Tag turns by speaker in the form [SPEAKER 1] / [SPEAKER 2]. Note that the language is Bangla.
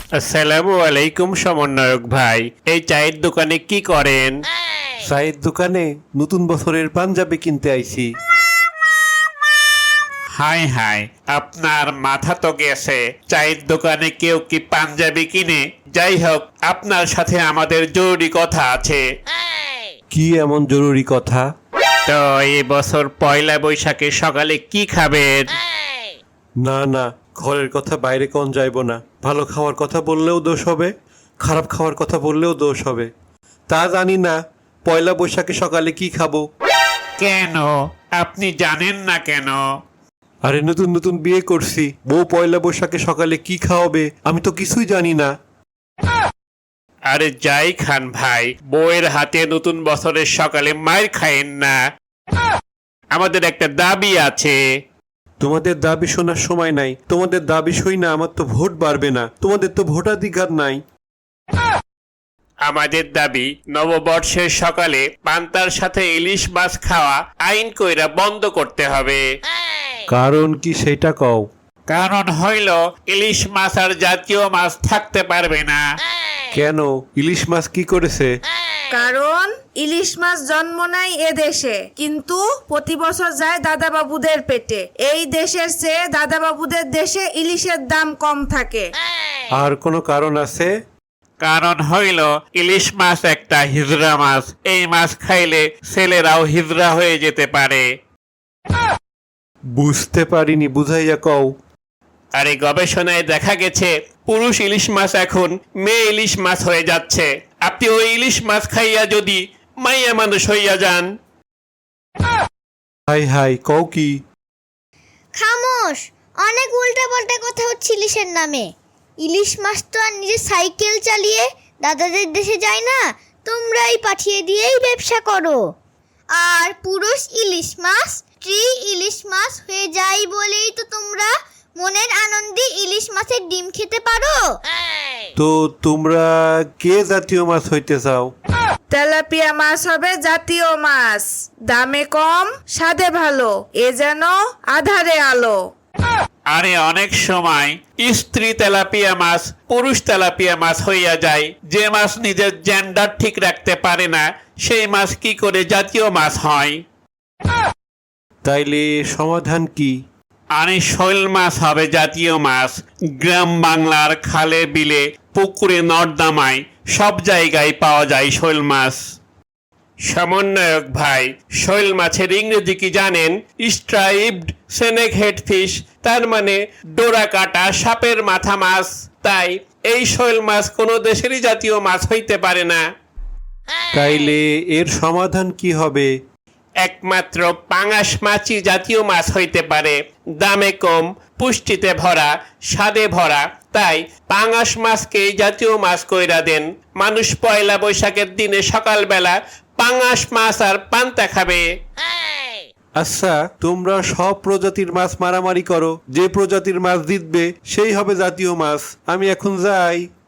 [SPEAKER 1] আসসালামু আলাইকুম সমন্বয়ক ভাই, এই চায়ের দোকানে কি করেন?
[SPEAKER 2] চায়ের দোকানে নতুন বছরের পাঞ্জাবি কিনতে আইছি।
[SPEAKER 1] হাই হাই, আপনার মাথা তো গেছে। চায়ের দোকানে কেউ কি পাঞ্জাবি কিনে? যাই হোক, আপনার সাথে আমাদের জরুরি কথা আছে।
[SPEAKER 2] কি এমন জরুরি কথা?
[SPEAKER 1] তো এই বছর পয়লা বৈশাখে সকালে কি খাবেন?
[SPEAKER 2] না না, ঘরের কথা বাইরে কোন যাইব না। ভালো খাওয়ার কথা বললেও দোষ হবে, খারাপ খাওয়ার কথা বললেও দোষ হবে। তা জানি না পয়লা বৈশাখে সকালে কি খাবো।
[SPEAKER 1] কেন, আপনি জানেন না কেন?
[SPEAKER 2] আরে নতুন নতুন বিয়ে করছি, বউ পয়লা বৈশাখে সকালে কি খাওয়াবে আমি তো কিছুই জানি না।
[SPEAKER 1] আরে যাই খান ভাই, বউয়ের হাতে নতুন বছরের সকালে মার খায়েন না। আমাদের একটা দাবি আছে।
[SPEAKER 2] তোমাদের দাবি শোনার সময় নাই। তোমাদের দাবি শুই না আমার তো ভোট বাড়বে না। তোমাদের তো ভোটাধিকার নাই।
[SPEAKER 1] আমাদের দাবি, নববর্ষের সকালে পান্তার সাথে ইলিশ মাছ খাওয়া আইন কইরা বন্ধ করতে হবে।
[SPEAKER 2] কারণ কি সেটা কও।
[SPEAKER 1] কারণ হইল, ইলিশ মাছ আর জাতীয় মাছ থাকতে পারবে না।
[SPEAKER 2] কেন, ইলিশ মাছ কি করেছে?
[SPEAKER 3] কারণ ইলিশ মাছ জন্ম নেয় এ দেশে, কিন্তু প্রতি বছর যায় দাদা বাবুদের পেটে। এই দেশের চেয়ে দাদা বাবুদের দেশে ইলিশের দাম কম থাকে।
[SPEAKER 2] আর কোনো কারণ আছে?
[SPEAKER 1] কারণ হইল, ইলিশ মাছ একটা হিজড়া মাছ। এই মাছ খাইলে ছেলেরাও হিজড়া হয়ে যেতে পারে।
[SPEAKER 2] বুঝতে পারিনি, বুঝাইয়া কও।
[SPEAKER 1] আরে গবেষণায় দেখা গেছে, পুরুষ ইলিশ মাছ এখন মেয়ে ইলিশ মাছ হয়ে যাচ্ছে। আপনি ওই ইলিশ মাছ খাইয়া যদি মাইয়া মানুষ হইয়া যান।
[SPEAKER 2] হাই হাই, কও কি?
[SPEAKER 4] খামোশ, অনেক উল্টা পাল্টা কথা হচ্ছে ইলিশের নামে। ইলিশ মাছ তো আর নিজে সাইকেল চালিয়ে দাদাদের দেশে যায় না, তোমরাই পাঠিয়ে দিয়েই ব্যবসা করো। আর পুরুষ ইলিশ মাছ স্ত্রী ইলিশ মাছ হয়ে যায় বলেই তো তোমরা মনের আনন্দে ইলিশ মাছের ডিম খেতে পারো।
[SPEAKER 2] তো তোমরা কে জাতীয় মাছ হইতে চাও?
[SPEAKER 3] তেলাপিয়া মাছ হবে জাতীয় মাছ, দামে কম, স্বাদে ভালো, এ যেন আধারে আলো।
[SPEAKER 1] আরে অনেক সময় স্ত্রী তেলাপিয়া মাছ পুরুষ তেলাপিয়া মাছ হইয়া যায়। যে মাছ নিজের জেন্ডার ঠিক রাখতে পারে না, সেই মাছ কি করে জাতীয় মাছ হয়?
[SPEAKER 2] তাইলে সমাধান কি?
[SPEAKER 1] আরে শৈল মাছ হবে জাতীয় মাছ। গ্রাম বাংলার খালে বিলে পুকুরে নর্দমায় সব জায়গায় পাওয়া যায় শৈল মাছ। সমন্বয়ক ভাই, শৈল মাছের ইংরেজি কি জানেন? স্ট্রাইপড স্নেক হেড ফিশ, তার মানে ডোরা কাটা সাপের মাথা মাছ। তাই এই শৈল মাছ কোনো দেশেরই জাতীয় মাছ হইতে পারে না।
[SPEAKER 2] তাইলে এর সমাধান কি হবে?
[SPEAKER 1] একমাত্র পাঙাশ মাছই জাতীয় মাছ হইতে পারে। দামে কম, পুষ্টিতে ভরা, স্বাদে ভরা। তাই পাঙাশ মাছকেই জাতীয় মাছ কইরা দেন। মানুষ পয়লা বৈশাখের দিনে সকালবেলা পাঙাশ মাছ আর পান্তা খাবে।
[SPEAKER 2] আচ্ছা, তোমরা সব প্রজাতির মাছ মারামারি করো, যে প্রজাতির মাছ জিতবে সেই হবে জাতীয় মাছ। আমি এখন যাই।